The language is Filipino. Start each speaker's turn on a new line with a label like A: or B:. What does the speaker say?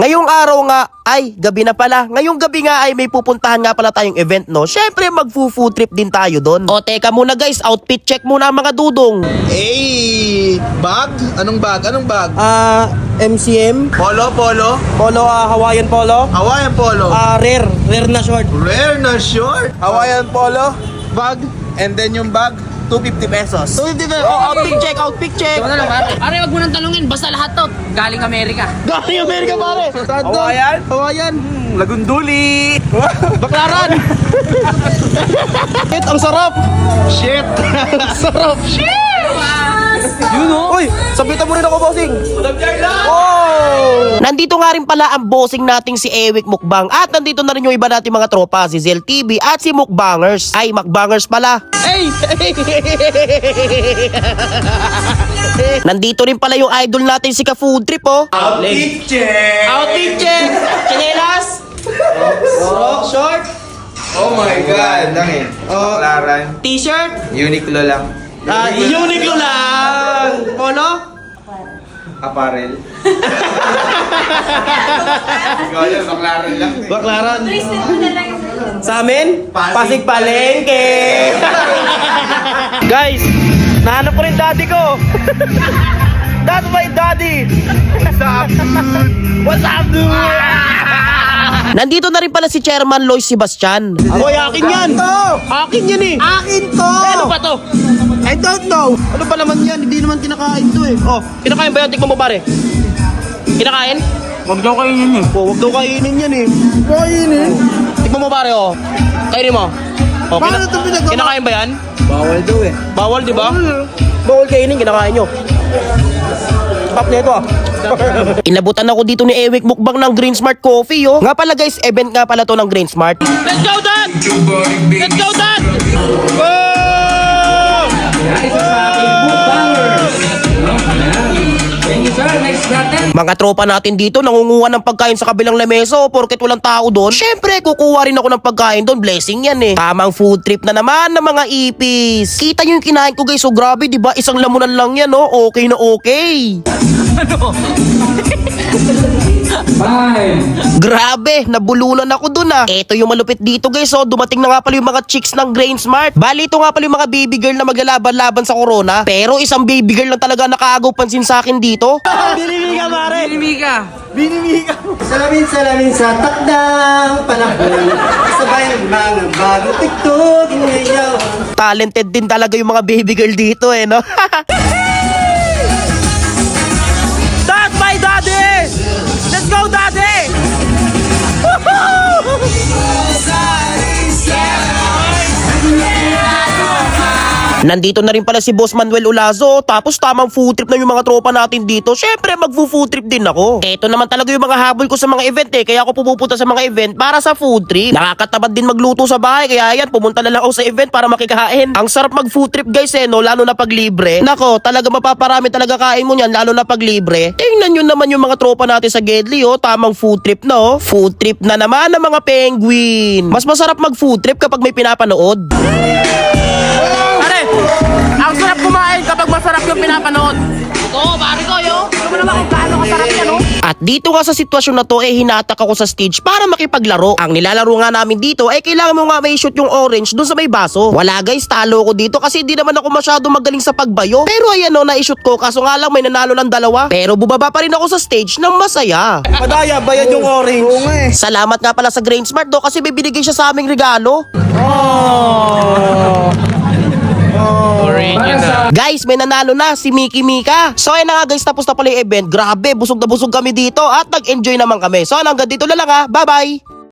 A: Ngayong araw nga, ay gabi na pala. Ngayong gabi nga ay may pupuntahan nga pala tayong event, no? Syempre magfu-food trip din tayo doon. O teka muna guys, outfit check muna mga dudong.
B: Bag? Anong bag? Anong bag?
C: MCM,
B: Polo?
C: Hawaiian polo,
B: Hawaiian polo.
C: rare na short.
B: Rare na short. Hawaiian polo, bag, and then yung bag, 250 pesos.
A: Outfit check.
D: Ito na lang pare. Pare, wag mo nang tanungin. Basta lahat to. Galing Amerika.
A: Galing Amerika pare.
B: Hawaiian? Lagunduli.
A: Baklaran. Shit, ang sarap.
B: Shit.
A: Sarap.
C: Yun o.
A: Uy, sabitan mo rin ako, bossing. Oh! Nandito nga rin pala ang bossing nating si Ewik Mukbang. At nandito na rin yung iba nating mga tropa, si Zel TV at si Mukbangers. Ay, Mukbangers pala.
C: Hey!
A: Nandito rin pala yung idol natin si Ka Food Trip, oh.
B: Outfit check.
A: Outfit check. Chinelas. Short.
B: Oh my God. Langit. Baklaran.
A: T-shirt.
B: Uniqlo lang.
A: Uniqlo lang. Polo.
B: Apparel. Ikaw yan, baklaran lang.
A: Baklaran. Sa amin, Pasig Palengke. Guys, nahanap ko rin daddy ko. That's my daddy.
B: What's up, dude?
A: What's up, dude? Nandito na rin pala si Chairman Lois Sebastian. Hoy, akin yan. Akin yan eh.
C: Akin to!
A: Ano ba to?
C: I don't know.
A: Ano ba naman yan? Hindi naman kinakain to eh. Oh, kinakain ba yan? Tikman mo pare. Kinakain?
C: Huwag daw kainin eh.
A: Oh, wag daw kainin yan eh.
C: Kainin?
A: Tikman mo pare oh. Kainin mo. Oh,
C: Paano ito pinagawa?
A: kinakain ba yan?
C: Bawal daw eh.
A: Bawal, di ba? Bawal kainin, kinakain nyo. Pop na ito ah. Inabutan ako dito ni Ewik Mukbang ng Green Smart Coffee, oh. Nga pala guys, event nga pala to ng Green Smart. Let's go, Dan! Let's go, Dan! Mga tropa natin dito nangunguha ng pagkain sa kabilang lamesa, oh, porket walang tao doon. Syempre, kukuha rin ako ng pagkain doon. Blessing yan eh. Tamang food trip na naman ng mga ipis. Kita nyo yung kinain ko guys, so grabe, di ba? Isang lamunan lang yan, oh. Okay na okay. Grabe, nabulunan ako dun ah. Ito yung malupit dito guys, oh. Dumating na nga pala yung mga chicks ng Grain Smart. Bali, ito nga pala yung mga baby girl na maglalaban-laban sa corona. Pero isang baby girl lang talaga nakagaw pansin sa akin dito.
C: Binibig ka pare.
D: Binimi ka.
C: Salamin sa takdang panahon. Sabay ng mga bagong tiktok. Inayaw.
A: Talented din talaga yung mga baby girl dito eh, no? That's my daddy! Let's go, daddy! Nandito na rin pala si Boss Manuel Olazo. Tapos tamang food trip na yung mga tropa natin dito. Syempre magfo-food trip din ako. Ito naman talaga yung mga habol ko sa mga event eh. Kaya ako pumupunta sa mga event para sa food trip. Nakakatamad din magluto sa bahay. Kaya yan, pumunta na lang ako sa event para makikain. Ang sarap mag food trip guys eh, no? Lalo na pag libre. Nako, talaga mapaparami talaga kain mo niyan. Lalo na pag libre. Tingnan nyo naman yung mga tropa natin sa Gedli, oh. Tamang food trip na, oh. Food trip na naman ng mga penguin. Mas masarap mag food trip kapag may pinapanood.
D: Ang sarap kumain kapag masarap yung pinapanood. Oo, pare ko, yo. Ano mo naman kung gaano kasarap yan, no?
A: At dito nga sa sitwasyon na to hinatak ako sa stage para makipaglaro. Ang nilalaro nga namin dito kailangan mo nga may shoot yung orange dun sa may baso. Wala guys, talo ko dito kasi hindi naman ako masyado magaling sa pagbayo. Pero ayan o, na-shoot ko kaso nga lang may nanalo ng dalawa. Pero bubaba pa rin ako sa stage ng masaya.
C: Padaya, bayad yung orange. Oo nga eh.
A: Salamat nga pala sa Grain Smart do kasi may binigay siya sa aming regalo. Guys, may nanalo na si Miki Mika. So ayun na nga guys, tapos na pala yung event. Grabe, busog na busog kami dito at nag-enjoy naman kami. So hanggang dito na lang ha. Bye bye.